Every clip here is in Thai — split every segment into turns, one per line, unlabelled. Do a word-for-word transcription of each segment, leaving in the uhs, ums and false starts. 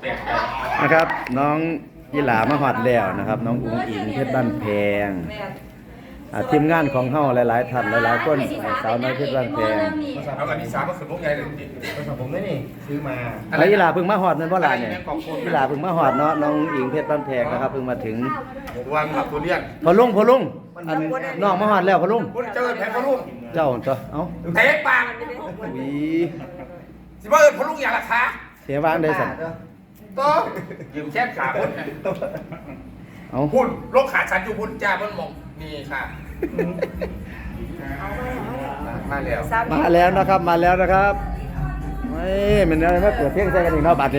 นะครับน้องยีหลามาฮอดแล้วนะครับน้องอุ๋งอิงเพชรบ้านแพงทีมงานของเฮาหลายๆท่านหลายๆคนสาวน้อยเพชรบ้านแพง
เอาอันนี้สามก็คือพวกใหญ่เลยภาษาผมไม่นี่ซื้อมา
ไอ้ยีหลาเพิ่งมาฮอดนั่นบ่ล่ะเนี่ยยีหลาเพิ่งมาฮอดเนาะน้องอุ๋งอิงเพชรบ้านแพงนะครับเพิ่งมาถึง
วันขับตัวเลี้ยง
พอลุงพอลุงอันน้องมาฮอดแล้วพอลุง
พุทธเจ้าแผ่พระลุง
เจ้าจ้ะเอ้า
เตะปาก
วี
สิว่าเอิญพระลุงอย่างราคา
เสียวางได้สั่น
โตยืมแช่ขาพุทธ
เอ้า
พุทธโรคขาฉันอยู่พุทธจ้าเพิ่นมองนี่ค่ะมาแล้ว
มาแล้วนะครับมาแล้วนะครับไม่มันอะไรมาเปิดเพลงใส่กันอีกเนาะบัดนี้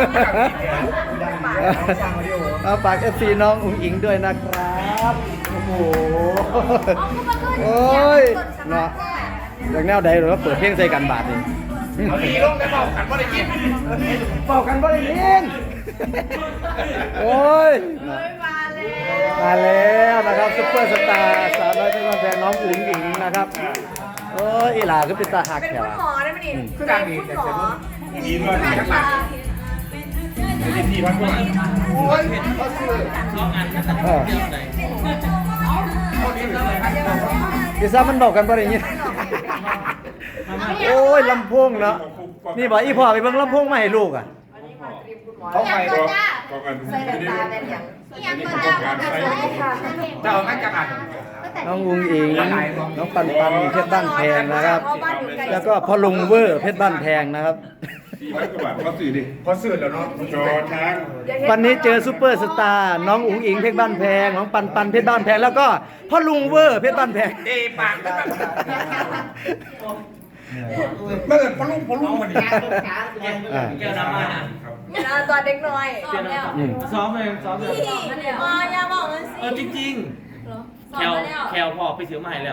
เอาฝาก เอฟ ซี น้องอุ๋งอิงด้วยนะครับโอ้โหโอ้ยเนาะจากแนวใดหรือว่าเปิดเพลงใส่กันบาดนี่
เอาดีลงได้เปล่ากันว่าได้ยิน
เป่ากันบ่ได้ยินโอ้ยมาแล้วนะครับซุปเปอร์สตาร์สาวน้อยเพชรบ้านแพงน้องอุ๋งอิงนะครับโอ้ยอีหลาก็เป็นตาหัก
เป็น
แถว
คุณหมอได้ไหมนี่
คือดังดีแต่
คุณหม
เสีย
อ
ดีมากจังหวะดีทีพันกว่าโอ้ยเห็นเขาซื้อ
เออ
เขาดีเลย
พี่ซ่ามันบอกกันบ่ได้ยินโอ้ยลำโพงเนาะนี่บอกอีพ่อไปเบิ่งลำโพงมาให้ลูกอ่ะ
เขาไปรอ
ใส่แว่นตาแว่นอย่างยังตัวจ้าของกระแสค่ะ
จะเอางั้นจะอ่าน
น้องอุ๋งอิงน้องปันปันเพชรบ้านแพงนะครับ แล้วก็พ่อลุงเวอร์เพชรบ้านแพงนะครับ
สี่ร้อยกว่าบาทเขาสื่อดิ
พอซื้อแล้วเนาะ
จอช้าง
วันนี้เจอซูเปอร์สตาร์น้องอุ๋งอิงเพชรบ้านแพงน้องปันปันเพชรบ้านแพงแล้วก็พ่อลุงเวอร์เพชรบ้านแพง
เตะปากเมื่อเกิดพอลุงพอลุงมัน
อ่า
เกี่ยวน้ำมันอ่ะ
ตัวเด็กน้อย
เกี่ยวน้ำมันซ้อมเลยซ้อมเลย
มาอย่าบอกมันสิ
เออจริงๆแคลแคลพอไปซื้อมาให้แล้ว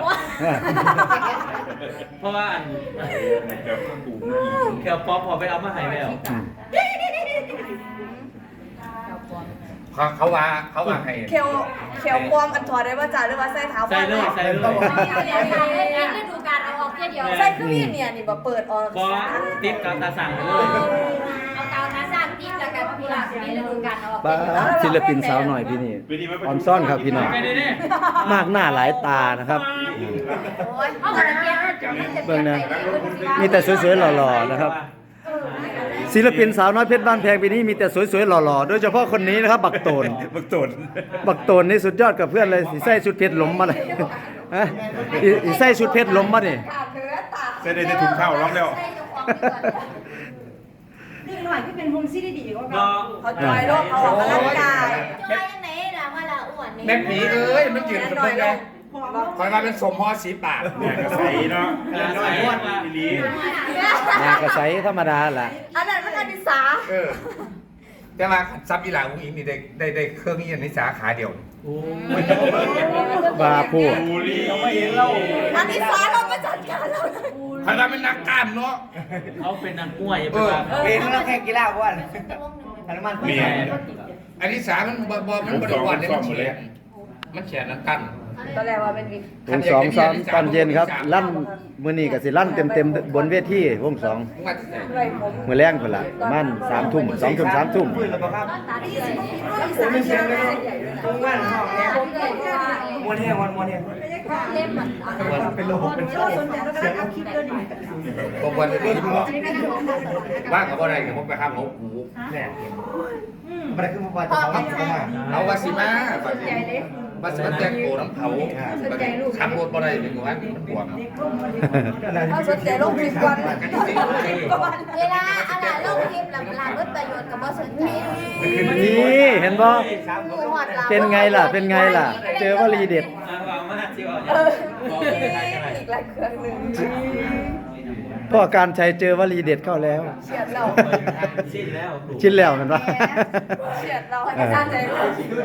เพราะว่าอัน
เดี๋ยวกู
แคลป๊อปพอไปเอามาให้แล้ว
เขาว่าเขาว่าให้
เคียวเคียวปลอมอันถอดได้ว่าจ่าหรือว่าใส่เท้า
ใส่เลยใส่เลย
ฤดูกาลเอาออกแค่เดียว
ใส่คือมีเนี่ยนี่บ่เปิดออก
พอติดกับตาสั่งเลย
เอาเตาน้าสร้างติ๊กแล้วกันพี่หลักมีฤดูกาลเอาออก
ป้าศิลปินสาวหน่อยพี่นี่ออนซ่อนครับพี่น้อง
ไปดิดิ
มากหน้าหลายตานะครับ
โอ้ยเอากระเทียม
เบิ่งนะมีแต่สวยๆหล่อๆนะครับศิลปินสาวน้อยเพชรบ้านแพงปีนี้มีแต่สวยๆหล่อๆโดยเฉพาะคนนี้นะครับบักโตน
บักโตน
บักโตนนี่สุดยอดกับเพื่อนเลยสิใส่ชุดเพชรล้มมาเลยฮะอีอีใส่ชุดเพชรล้มมานี่
ใส่ได้ถุงข้าวร้องแล้ว
นี่หน่อยที่เป็นมุมซีดีๆก็
ก็
เขาจอยโลกเขาออกกำลังกาย
จอยยังไงนะว่าละอ้วนนี่
แม่ผีเอ้ยมันยืนเป็นคนไงคอยมาเป็นสมฮอสีปาก
เนี่ยกระใสเนาะ
ใส่ว่า
อีลี
หน้ากระใสธรรมดาล่ะ
อันนั้นมันอนิสา
เออแต่ว่าซับอีหลาของอิงนี่ได้ได้ได้เครื่องนี้ในสาขาเดียว
บาพูด
บูรี
อนิสาเรามาจัดการเรา
คอยมาเป็นนักกล้ามเนาะ
เขาเป็นนักมวย
เออ
เป็นนักแข่งกีฬาอ้วนอนุมัน
เมีย
อันนี้สามันบอบมันบริวารเนี่ยมันเฉียนมันเฉียนนักกั้น
ตอนแรกว่าเป็นวิก
วงสองซ้อมตอนเย็นครับลั่นมื้อนี้ก็สิลั่นเต็มๆบนเวทีวงสอง
มึงว่าที่ไหน
ด้วยผม
มื้อแรงพุ่นล่ะประมาณสามทุ่มสองทุ่มสามทุ่ม
ปืนระเบิดครับ
ตาดีเลย
ผมไม่เชียงเลยตรงบ้านห้องเนี่ย
ผมเลยว่าม
วนแห้งวันมวนแห้ง
เล่มมัน
เป็นโลเป็นโลเสียง
ผมวันนี้ที่บอกว่ากับอะไรกับผมไปห้ามเขาหู
เนี่ยมันคือมันจะเขาเข้ามา
เอาวาสิมาบาสิบาสิมาแจ้งโกน้ำเผาขับรถบ่ได้เป็นหมู่บ้านมันปวด
เขาสนใจโลกคลิปก่อน
เวลาอะไรโลกทิพย์หลังหลังรถประโยชน์กับบ่สนใจ
นี่เห็นบ่
มือหอดเรา
เป็นไงล่ะเป็นไงล่ะ เจอวลีเด็ด
อ่างวางมากจิ๋ว
เอออีกหลายเครื่องหนึ่ง
พ่อการชัยเจอวลีเด็ดเข้าแล้ว
เฉียดเรา
สิ้นแล้ว
ชิ้นแล้วเห็นปะ
เฉียดเราให้กระจายใจเรา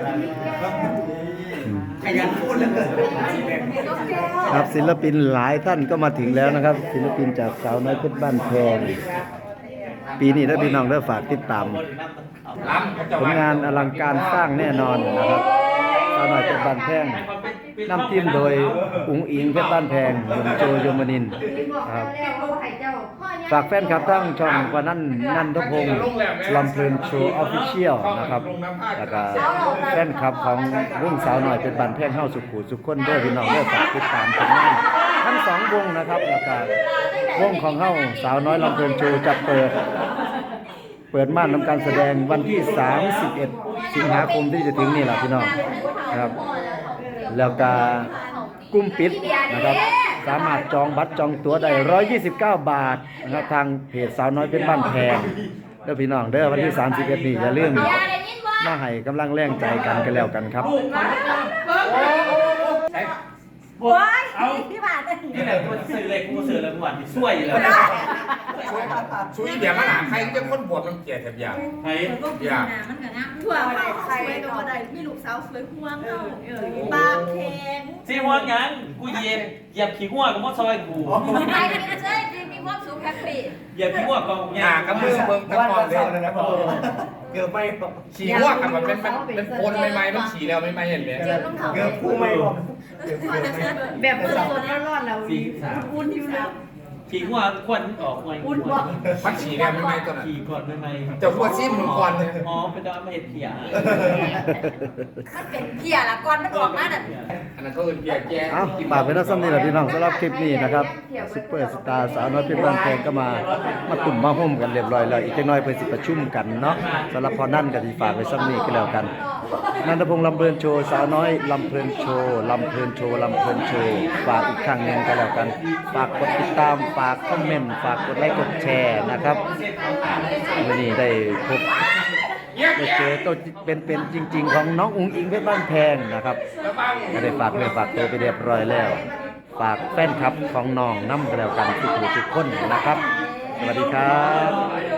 ขยันพูดเหลือเกิน
ครับศิลปินหลายท่านก็มาถึงแล้วนะครับ ศิลปินจากสาวน้อยเพชรบ้านแพงปีนี้ถ้าพี่น้องได้ฝากติดตาม
ล้ำเขาจะ
ผลงานอลังการสร้างแน่นอนนะครับสาวน้อยเพชรบ้านแพง
ไป
นำทีมโดยอุ๋งอิงเพชรบ้านแพงหนุ่มโจยมนินทร์ครับฝากแฟนคลับทั้งช่องกว่านั้นนันทพงศ์ลำเพลินโชว์ออฟฟิเชียลนะครับแล้วก็แฟนคลับของรุ่งสาวหน่อยเป็นบ้านแพงเฮาสุขุสุขคนเด้อพี่น้องเด้อฝากติดตามผลงานทั้งสองวงนะครับแล้วก็วงของเฮาสาวน้อยลำเพลินโชว์จะเปิด เปิดม่านทำการแสดงวันที่สามสิบเอ็ดสิงหาคมที่จะถึงนี่แหละพี่น้องครับแล้วก็กลุ่มปิดนะครับสามารถจองบัตรจองตั๋วได้หนึ่งร้อยยี่สิบเก้าบาทนะครับทางเพจสาวน้อยเป็นบ้านแพงเด้อพี่น้องเด้อวันที่สามสิบเอ็ดนี่อย่าลืมมาให้กำลังแรงใจกันกันแล้วกันครับ
โอ้ยพี่บาทเลย
นี่แหละกูซื้อเลยกูซื้อเลยกูหวานช่วยเลย
ช่วยเดี๋ยวมาหาใครจะคนบวชมันเกลียดแถบยาง
ไอ้
ยาง
มันก็นะทั่วไปใครก็ได้มีลูกสาวสวยห่วงเนาะเออปากแข็ง
ซีหัวยังกูเหยียบเหยียบขี้หัวกับมอซอยกู
ใครเป็นเจ้ยมีความสุขแฮปปี้
เหยียบขี้หัวกอง
หากับมือเบิ่งตะ
วัน
กอนเล
เสาย ร์เลยนะพ่อเกือบไม่
ฉี่หัวกันมันเป็นเป็นโคนใหม่ๆมันฉี่แล้วไม่ๆเห็นไหม
เจ็บต้องเข่า
เกือบคู่ไม่บอกเกือบคู่ไม่
แบบสดๆร้อนๆแล้วอุ่นอยู่แล้ว
ขี้หัวควันออกไง
อุ่นบ่
มันฉี่แล้วไม่ๆตัวนั้น
ขี้ก่อนไม่ไม่
จะหัวซิมมึงก่อนเลย
อ๋อเป็นดาวมาเห็ดเขีย
มันเป็นเพียละก่อนมันออกมาน่ะ
อันนั้นก็คือเบียร์แก่
เอ้าฝากเป็นนักซ้ำนี่แหละพี่น้องสำหรับคลิปนี้นะครับซุปเปอร์สตาร์สาวน้อยเพชรบ้านแพงก็มามาตุ่มมาห่มกันเรียบร้อยแล้วอีกจักหน่อยเพิ่นสิประชุมกันเนาะสำหรับพอนั่นก็สิฝากไว้ซ้ำนี้ก็แล้วกันนันทพงษ์ลำเพลินโชว์สาวน้อยลำเพลินโชว์ลำเพลินโชว์ลำเพลินโชว์ฝากอีกครั้งหนึงก็แล้วกันฝากกดติดตามฝากคอมเมนต์ฝากกดไลค์กดแชร์นะครับวันนี้ได้พบได้เจอตัวเป็นๆจริง ๆ ของน้องอุ๋งอิงเพชรบ้านแพงนะครับก็ได้ฝากเรื่องฝากตัวไปเรียบร้อยแล้ว ฝากแฟนคลับของน้องน้ำกันแล้วกันทุกผู้ทุกคนนะครับ สวัสดีครับ